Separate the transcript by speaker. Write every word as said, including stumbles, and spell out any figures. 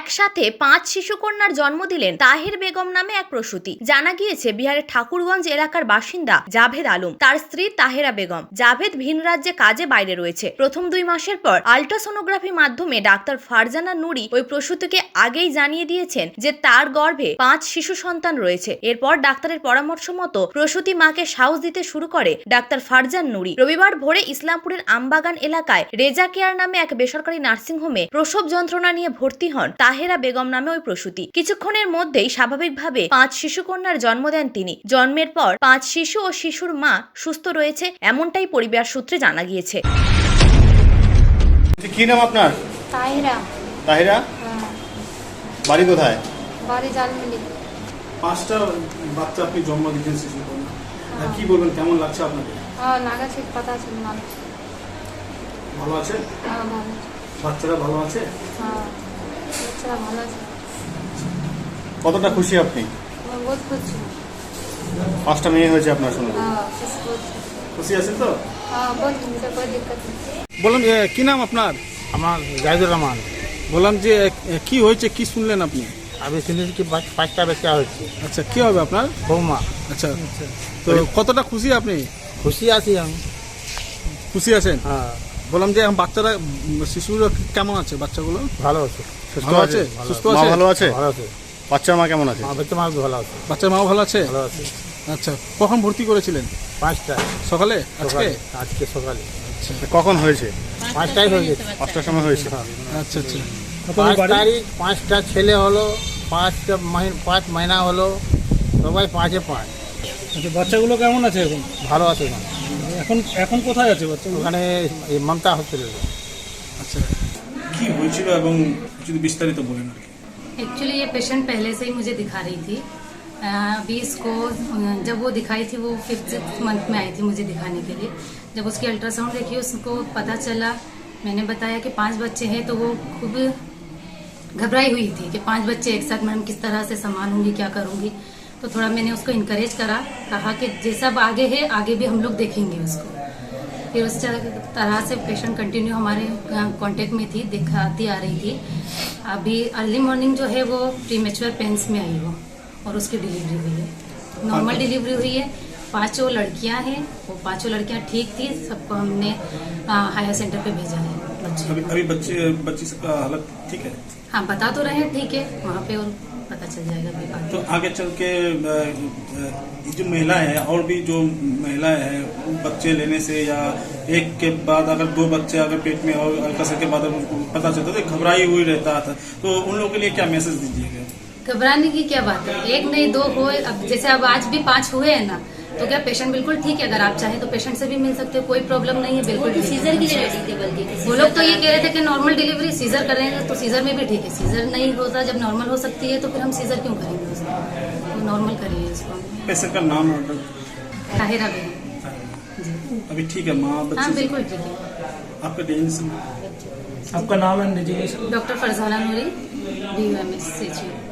Speaker 1: একসাথে পাঁচ শিশুকন্যার জন্ম দিলেন তাহের বেগম নামে এক প্রসূতি। জানা গিয়েছে বিহারের ঠাকুরগঞ্জ এলাকার বাসিন্দা জাভেদ আলম, তার স্ত্রী তাহেরা বেগম। জাভেদ ভিন রাজ্যে কাজে বাইরে রয়েছে। প্রথম দুই মাসের পর আল্ট্রাসোনোগ্রাফি মাধ্যমে ডাক্তার ফারজানা নুরি ওই প্রসূতিকে আগেই জানিয়ে দিয়েছেন যে তার গর্ভে পাঁচ শিশু সন্তান রয়েছে। এরপর ডাক্তারের পরামর্শ মতো প্রসূতি মাকে সাহস দিতে শুরু করে ডাক্তার ফারজান নুরি। রবিবার ভোরে ইসলামপুরের আমবাগান এলাকায় রেজা কেয়ার নামে এক বেসরকারি নার্সিংহোমে প্রসব যন্ত্রণা নিয়ে ভর্তি হন তাহেরা বেগম নামে ওই প্রসূতি। কিছুক্ষণের মধ্যেই স্বাভাবিকভাবে পাঁচ শিশুকন্যার জন্ম দেন তিনি। জন্মের পর পাঁচ শিশু ও শিশুর মা সুস্থ রয়েছে, এমনটাই পরিবার সূত্রে জানা গিয়েছে।
Speaker 2: কি নাম আপনার?
Speaker 3: তাহিরা।
Speaker 2: তাহিরা, বাড়ি কোথায়?
Speaker 3: বাড়ি জালমিলি।
Speaker 4: পাঁচটা বাচ্চা আপনি জন্ম দিয়েছেন শিশু কন্যা, কি বলবেন, কেমন লাগছে আপনাকে?
Speaker 3: হ্যাঁ, নাগা ঠিক পাতা ছিল না।
Speaker 4: ভালো আছে?
Speaker 3: হ্যাঁ, ভালো।
Speaker 4: বাচ্চারা ভালো আছে?
Speaker 3: হ্যাঁ, বাচ্চারা ভালো আছে।
Speaker 2: কতটা খুশি আপনি?
Speaker 3: বহুত খুশি।
Speaker 2: পাঁচটা মেয়ে হয়েছে আপনার সঙ্গে?
Speaker 3: হ্যাঁ, খুশি বহুত।
Speaker 4: খুশি আছেন তো?
Speaker 3: হ্যাঁ, বহুত মুঝে कोई दिक्कत नहीं।
Speaker 4: বললাম কি নাম আপনার?
Speaker 5: আমার জাহিদুর রহমান।
Speaker 4: বললাম যে কি হয়েছে, কি শুনলেন আপনি?
Speaker 5: আমি শুনেছি কি পাঁচ- পাঁচটা বাচ্চা হচ্ছে।
Speaker 4: আচ্ছা, কি হবে আপনার?
Speaker 5: বৌমা।
Speaker 4: আচ্ছা, তো কতটা খুশি আপনি?
Speaker 5: খুশি আছি আমি।
Speaker 4: খুশি আছেন?
Speaker 5: হ্যাঁ,
Speaker 4: বললাম যে এখন বাচ্চারা, শিশুরা কেমন আছে? বাচ্চাগুলো
Speaker 5: ভালো আছে।
Speaker 4: সুস্থ আছে? সুস্থ
Speaker 2: মা
Speaker 4: আছে?
Speaker 2: ভালো আছে?
Speaker 5: ভালো আছে।
Speaker 2: বাচ্চার মা কেমন আছে?
Speaker 5: আমার বাচ্চা মা ভালো আছে।
Speaker 4: বাচ্চার মাও ভালো আছে?
Speaker 5: ভালো আছে।
Speaker 4: আচ্ছা, কখন ভর্তি করেছিলেন?
Speaker 5: পাঁচটা
Speaker 4: সকালে? আজকে?
Speaker 5: সকালে। আজকে সকালে
Speaker 2: কখন হয়েছে?
Speaker 5: পাঁচটাই হয়ে গেছে।
Speaker 2: পাঁচটার সময় হয়েছে।
Speaker 4: আচ্ছা আচ্ছা।
Speaker 5: পাঁচ তারিখ পাঁচটা ছেলে হলো, পাঁচটা মাহি- পাঁচ মহিনা হলো, সবাই পাঁচে পাঁচ।
Speaker 4: আচ্ছা, বাচ্চাগুলো কেমন আছে এখন?
Speaker 5: ভালো আছে না?
Speaker 4: এখন এখন কোথায় আছে বাচ্চাগুলো?
Speaker 5: ওখানে এই মমতা হসপিটালে।
Speaker 4: আচ্ছা, কি হয়েছিল এবং যদি বিস্তারিত বলেন আর কি।
Speaker 6: एक्चुअली ये पेशेंट पहले से ही मुझे दिखा रही थी। अ, अभी इसको अ, जब वो दिखाई थी वो फिफ्थ मंथ में आई थी मुझे दिखाने के लिए। जब उसकी अल्ट्रासाउंड देखी उसको पता चला, मैंने बताया कि पांच बच्चे हैं, तो वो खूब घबराई हुई थी कि पांच बच्चे एक साथ मैडम किस तरह से संभालूंगी, क्या करूंगी। तो थोड़ा मैंने उसको इनकरेज करा, कहा कि जैसा अब आगे है आगे भी हम लोग देखेंगे उसको। फिर उस तरह से पेशेंट कंटिन्यू हमारे कांटेक्ट में थी, दिखाती आ रही थी। अभी अर्ली मॉर्निंग जो है वो प्रीमेच्योर पेन्स में आई वो, और उसकी डिलीवरी हुई है। नॉर्मल डिलीवरी हुई है। पांचों लड़कियां हैं, वो पांचों लड़कियां ठीक थी। सबको हमने हायर सेंटर पे भेजा है बच्चे।
Speaker 4: अभी अभी बच्चे बच्ची का हालत ठीक है?
Speaker 6: हाँ, बता तो रहे हैं ठीक है, वहाँ पे और पता चल जाएगा अभी बाद
Speaker 4: तो
Speaker 6: में।
Speaker 4: आगे चल के अ, अ, जो महिलाएं हैं और भी जो महिलाएं हैं बच्चे लेने से या एक के बाद अगर दो बच्चे अगर पेट में और अल्ट्रासाउंड के बाद अगर उनको पता चलता तो घबराई हुई रहता था, तो उन लोगों के लिए क्या मैसेज दीजिएगा?
Speaker 6: घबराने की क्या बात है, एक नहीं दो हो, अब जैसे अब आज भी पांच हुए हैं ना, तो क्या पेशेंट बिल्कुल ठीक है। अगर आप चाहें तो पेशेंट से भी मिल सकते हो, कोई प्रॉब्लम नहीं है, बिल्कुल। सीजर की रेडी थे बल्कि वो लोग तो ये कह रहे थे कि नॉर्मल डिलीवरी सीजर करेंगे, तो सीजर में भी ठीक है। सीजर नहीं होता, जब नॉर्मल हो सकती है तो फिर हम सीजर क्यों करेंगे उसको, तो नॉर्मल करिए इसको।
Speaker 4: पेशेंट का नाम और
Speaker 6: ताहिरा बेगम।
Speaker 4: अभी ठीक है? माँ
Speaker 6: हाँ,
Speaker 4: बच्चे
Speaker 6: बिल्कुल ठीक है।
Speaker 4: आपका डेजिग्नेशन?
Speaker 5: आपका नाम है?
Speaker 6: Doctor Farzana Noori, D U M S से।